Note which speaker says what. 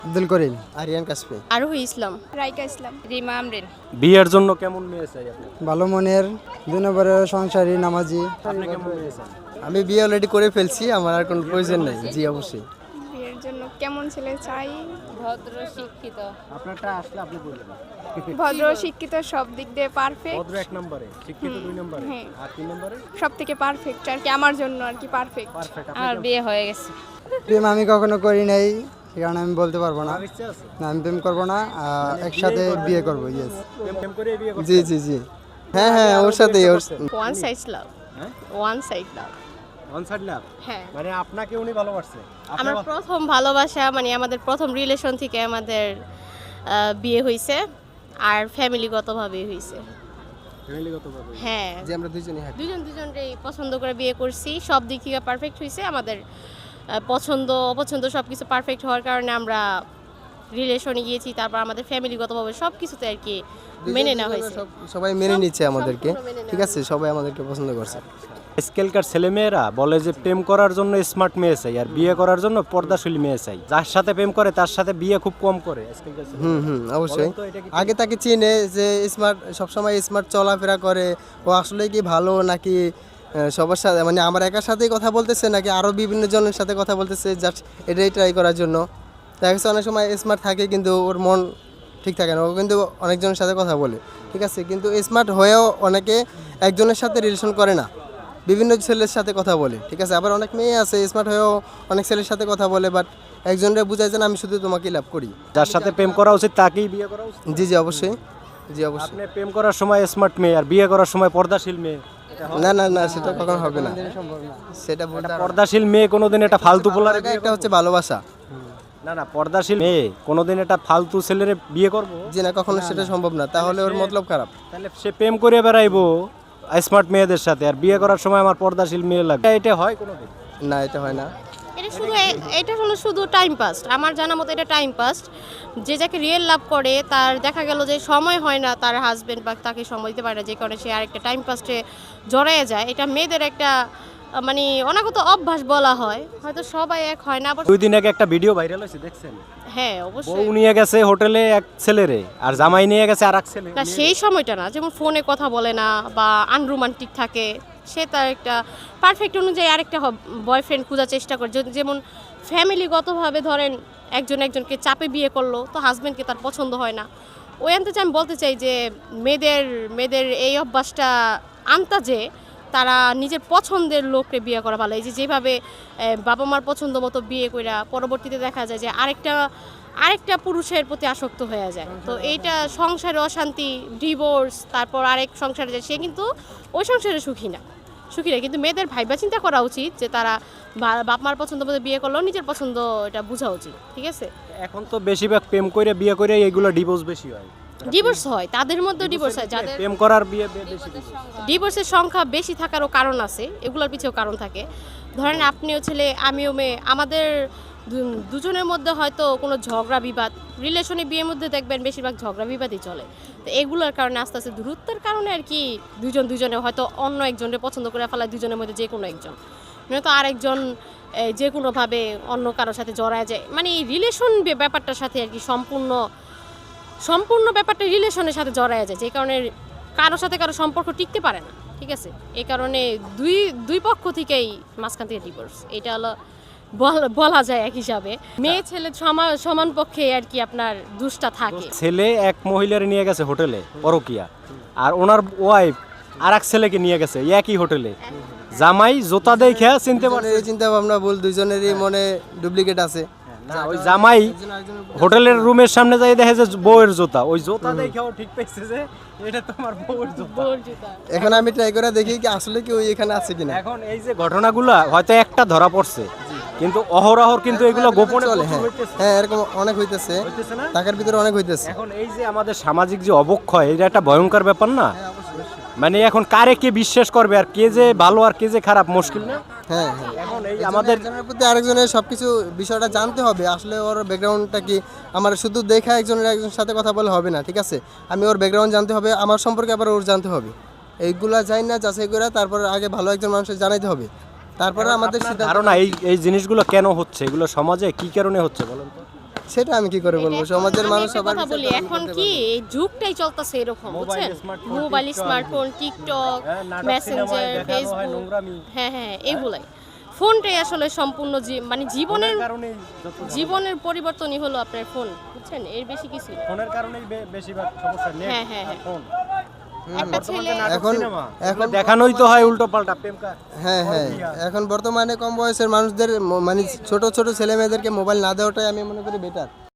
Speaker 1: আব্দুল করিম, আরিয়ান কাশফি।
Speaker 2: আরোহী ইসলাম,
Speaker 3: রাইকা ইসলাম,
Speaker 2: রিমা আমরিন।
Speaker 4: বিয়ের জন্য কেমন মেয়ে চাই আপনার?
Speaker 1: ভালো মনের, 2 নম্বরে সংসারী, নামাজি।
Speaker 4: আপনি কেমন মেয়ে চান?
Speaker 1: আমি বিয়ে অলরেডি করে ফেলছি, আমার আর কোনো প্রয়োজন নেই। জি অবশ্যই।
Speaker 3: বিয়ের জন্য কেমন ছেলে চাই?
Speaker 2: ভদ্র শিক্ষিত।
Speaker 4: আপনারটা আসলে আপনি বলবেন।
Speaker 3: ভদ্র, শিক্ষিত, সব দিক দিয়ে পারফেক্ট,
Speaker 4: ভদ্র 1 নম্বরে, শিক্ষিত 2 নম্বরে,
Speaker 3: হ্যাঁ।
Speaker 4: আর 3 নম্বরে
Speaker 3: সব থেকে পারফেক্ট আর কি আমার জন্য আর কি পারফেক্ট।
Speaker 4: পারফেক্ট।
Speaker 2: আমার বিয়ে হয়ে গেছে।
Speaker 1: প্রেম আমি কখনো করি নাই, সে কারণে আমি বলতে পারবো না।
Speaker 4: ইচ্ছা আছে?
Speaker 1: না, আমি প্রেম করবো না, একসাথে বিয়ে করবো। ইয়েস।
Speaker 4: প্রেম করে বিয়ে করতে?
Speaker 1: জি জি জি। হ্যাঁ হ্যাঁ, ওর সাথেই।
Speaker 2: One side love.
Speaker 4: হ্যাঁ?
Speaker 2: One side love.
Speaker 4: One side love?
Speaker 2: হ্যাঁ।
Speaker 4: মানে আপনাকে উনি ভালোবাসছে?
Speaker 2: আমার প্রথম ভালোবাসা মানে আমাদের প্রথম রিলেশন থেকে আমাদের বিয়ে হয়েছে আর ফ্যামিলিগতভাবে হয়েছে।
Speaker 4: ফ্যামিলিগতভাবে?
Speaker 2: হ্যাঁ,
Speaker 1: যে আমরা দুজনেই হ্যাপি।
Speaker 2: দুজনকেই পছন্দ করে বিয়ে করছি, সব দিক থেকে পারফেক্ট হয়েছে আমাদের। পছন্দ অপছন্দ সব কিছু পারফেক্ট হওয়ার কারণে আমরা রিলেশনে গিয়েছি, তারপর আমাদের ফ্যামিলিগতভাবে সব কিছুতে আর কি মেনে নেওয়া হয়েছে।
Speaker 1: সবাই মেনে নিচ্ছে আমাদেরকে,
Speaker 2: সম্পূর্ণ মেনে
Speaker 1: ঠিক আছে, সবাই আমাদেরকে পছন্দ করছে।
Speaker 4: আজকালকার ছেলেমেয়েরা বলে যে প্রেম করার জন্য স্মার্ট মেয়ে চাই আর বিয়ে করার জন্য পর্দাশীল মেয়ে চাই। যার সাথে প্রেম করে তার সাথে বিয়ে খুব কম করে আজকালকার ছেলেমেয়েরা।
Speaker 1: অবশ্যই।
Speaker 4: বলেন তো এটা কি ঠিক?
Speaker 1: আগে তাকে চিনে যে স্মার্ট, সবসময় স্মার্ট চলাফেরা করে, ও আসলে কি ভালো নাকি সবার সাথে, মানে আমার একার সাথেই কথা বলতেছে নাকি আরও বিভিন্ন জনের সাথে কথা বলতেছে, জাস্ট এটাই ট্রাই করার জন্য। দেখা গেছে অনেক সময় স্মার্ট থাকে কিন্তু ওর মন ঠিক থাকে না, ও কিন্তু অনেকজনের সাথে কথা বলে, ঠিক আছে, কিন্তু স্মার্ট হয়েও অনেকে একজনের সাথে রিলেশন করে না, বিভিন্ন ছেলের সাথে কথা বলে, ঠিক আছে। আবার অনেক মেয়ে আছে স্মার্ট হয়েও অনেক ছেলের সাথে কথা বলে, বাট একজনের বুঝায় যে না, আমি শুধু তোমাকেই লাভ করি।
Speaker 4: যার সাথে প্রেম করা উচিত তাকেই বিয়ে করা উচিত।
Speaker 1: জি জি অবশ্যই, জি অবশ্যই।
Speaker 4: আপনি প্রেম করার সময় স্মার্ট মেয়ে আর বিয়ে করার সময় পর্দাশীল মেয়ে,
Speaker 1: না না না, সেটা কখনো হবে না, সেটা বলতে
Speaker 4: পর্দাশীল মেয়ে কোনোদিন এটা ফালতু পোলারে বিয়ে
Speaker 1: একটা হচ্ছে ভালোবাসা।
Speaker 4: না না, পর্দাশীল মেয়ে কোনোদিন এটা ফালতু ছেলেরে বিয়ে করবো?
Speaker 1: জি না, কখনো সেটা সম্ভব না, তাহলে ওর মতলব খারাপ।
Speaker 4: তাহলে সে প্রেম করে বেড়াইবো স্মার্ট মেয়েদের সাথে আর বিয়ে করার সময় আমার পর্দাশীল মেয়ে লাগবে, এটা হয় কোনোদিন?
Speaker 1: না, এটা হয় না।
Speaker 2: এটা হলো শুধু টাইম পাস। আমার জানা মতো এটা টাইম পাস। যে যাকে রিয়েল লাভ করে তার দেখা গেল যে সময় হয় না, তার হাজবেন্ড বা তাকে সময় দিতে পারে না, যে কারণে সে আরেকটা টাইম পাসে জড়াইয়া যায়। এটা মেয়েদের একটা মানে অনাগত অভ্যাস বলা হয়, হয়তো সবাই এক হয় না। আবার
Speaker 4: 2 দিন আগে একটা ভিডিও ভাইরাল হয়েছে, দেখছেন?
Speaker 2: হ্যাঁ
Speaker 4: বউ
Speaker 2: অবশ্যই।
Speaker 4: নিয়ে গেছে হোটেলে এক ছেলেরে আর জামাই নিয়ে গেছে আর এক ছেলে।
Speaker 2: না, সেই সময়টা না, যেমন ফোনে কথা বলে না বা আনরোমান্টিক থাকে, সে তার একটা পারফেক্ট অনুযায়ী আরেকটা বয়ফ্রেন্ড খোঁজার চেষ্টা করে। যেমন ফ্যামিলিগতভাবে ধরেন একজনকে চাপে বিয়ে করলো, তো হাজব্যান্ডকে তার পছন্দ হয় না। ওই আনতে আমি বলতে চাই যে মেয়েদের এই অভ্যাসটা আনতা যে তারা নিজের পছন্দের লোককে বিয়ে করা ভালো। এই যে যেভাবে বাবা মার পছন্দ মতো বিয়ে কইরা পরবর্তীতে দেখা যায় যে আরেকটা পুরুষের প্রতি আসক্ত হয়ে যায়, তো এইটা সংসারে অশান্তি, ডিভোর্স, তারপর আরেক সংসারে যায়, সে কিন্তু ওই সংসারে সুখী না। কিন্তু মেয়েদের ভাইবা চিন্তা করা উচিত যে তারা বাপ মার পছন্দ মতো বিয়ে করলেও নিজের পছন্দ এটা বোঝা উচিত, ঠিক আছে।
Speaker 4: এখন তো বেশিরভাগ প্রেম করে বিয়ে করে এগুলো ডিভোর্স বেশি হয়।
Speaker 2: ডিভোর্স হয়, তাদের মধ্যে ডিভোর্স হয়, যাদের
Speaker 4: প্রেম করার বিয়ে বেশি।
Speaker 2: ডিভোর্সের সংখ্যা বেশি থাকারও কারণ আছে, এগুলোর পিছেও কারণ থাকে। ধরেন আপনিও ছেলে আমিও মেয়ে, আমাদের দুজনের মধ্যে হয়তো কোনো ঝগড়া বিবাদ, রিলেশনে বিয়ের মধ্যে দেখবেন বেশিরভাগ ঝগড়া বিবাদই চলে। তো এগুলোর কারণে আস্তে আস্তে দূরত্বের কারণে আর কি দুজনে হয়তো অন্য একজনকে পছন্দ করে ফেলায়, দুজনের মধ্যে যে কোনো একজন, নয়তো আরেকজন যে কোনোভাবে অন্য কারোর সাথে জড়ায় যায়। মানে এই রিলেশন ব্যাপারটার সাথে আর কি সম্পূর্ণ ব্যাপারটা রিলেশনের সাথে জড়ায় যায়, যে কারণে কারোর সাথে কারো সম্পর্ক টিকতে পারে না, ঠিক আছে। এই কারণে দুই পক্ষ থেকেই মাঝখান থেকে ডিভোর্স, এটা হলো বলা যায় এক হিসাবে। মেয়ে ছেলে সমান পক্ষে আর কি আপনার দুষ্টা থাকে।
Speaker 4: ছেলে এক মহিলার নিয়ে গেছে হোটেলে পরকিয়া, আর ওনার ওয়াইফ আর এক ছেলেকে নিয়ে গেছে একই হোটেলে। জামাই জোতা দেখে চিনতে পারছে,
Speaker 1: দুজনেরই চিন্তা ভাবনা ভুল, দুজনেরই মনে ডুপ্লিকেট আছে।
Speaker 4: না ওই জামাই হোটেলের রুমের সামনে যাই দেখে যে বউয়ের জুতা, ওই জুতা দেখেও ঠিক পাইছে যে এটা তোমার বউয়ের জুতা।
Speaker 1: এখন আমি ট্রাই করে দেখি কি আসলে কি ওই এখানে আছে কিনা।
Speaker 4: এখন এই যে ঘটনাগুলা হয়তো একটা ধরা পড়ছে, কিন্তু অহরহর কিন্তু এগুলো গোপনে
Speaker 1: চলে।
Speaker 4: প্রচুর হইতেছে।
Speaker 1: হ্যাঁ, এরকম অনেক হইতেছে,
Speaker 4: হইতেছে না?
Speaker 1: টাকার ভিতরে অনেক হইতেছে।
Speaker 4: এখন এই যে আমাদের সামাজিক যে অবক্ষয়, এটা একটা ভয়ঙ্কর ব্যাপার না? মানে এখন কারে কে বিশ্বাস করবে আর কে যে ভালো আর কে যে খারাপ, মুশকিল না?
Speaker 1: হ্যাঁ হ্যাঁ,
Speaker 4: এখন এই আমাদের
Speaker 1: একজনের প্রতি আরেকজনের সবকিছু বিষয়টা জানতে হবে, আসলে ওর ব্যাকগ্রাউন্ডটা কি। আমার শুধু দেখা একজনের সাথে কথা বলে হবে না, ঠিক আছে, আমি ওর ব্যাকগ্রাউন্ড জানতে হবে, আমার সম্পর্কে আবার ওর জানতে হবে। এইগুলা যাই না যাচাই করে তারপর আগে ভালো একজন মানুষের জানাইতে হবে, তারপরে আমাদের
Speaker 4: ধারণা এই জিনিসগুলো কেন হচ্ছে, এগুলো সমাজে কি কারণে হচ্ছে বলেন তো?
Speaker 1: সেটা আমি কি করে বলবো, সমাজের
Speaker 2: আমি
Speaker 1: মানুষ
Speaker 2: একটা
Speaker 1: সবার
Speaker 2: কথা
Speaker 1: বিচার
Speaker 2: বলি,
Speaker 1: তো আমি
Speaker 2: এখন
Speaker 1: করতে
Speaker 2: কি
Speaker 1: পারবো না।
Speaker 2: এই যুগটাই চলতেছে এরকম,
Speaker 4: মোবাইল,
Speaker 2: বুঝছেন?
Speaker 4: Smartphone,
Speaker 2: mobile,
Speaker 4: TikTok,
Speaker 2: smartphone, TikTok,
Speaker 4: নাটক,
Speaker 2: মেসেঞ্জার,
Speaker 4: সিনেমায় দেখানো হয়
Speaker 2: ফেসবুক,
Speaker 4: নোংরামি।
Speaker 2: হ্যাঁ হ্যাঁ এগুলাই। ফোনটাই আসলে সম্পূর্ণ মানে জীবনের
Speaker 4: ফোনের কারণেই যত
Speaker 2: জীবনের পরিবর্তনই হলো আপনার ফোন, বুঝছেন? এর বেশি কিছু না।
Speaker 4: ফোনের কারণেই বেশিরভাগ সমস্যা নেট
Speaker 2: হ্যাঁ, হ্যাঁ,
Speaker 4: আর
Speaker 2: হ্যাঁ।
Speaker 4: ফোন।
Speaker 2: একটা ছেলে
Speaker 1: এখন
Speaker 4: এখন দেখানোই তো হয় উল্টো পাল্টা প্রেম
Speaker 1: হ্যাঁ হ্যাঁ, এখন বর্তমানে কম বয়সের মানুষদের মানে ছোট ছোট ছেলে মেয়েদেরকে মোবাইল না দেওয়াটাই আমি মনে করি বেটার।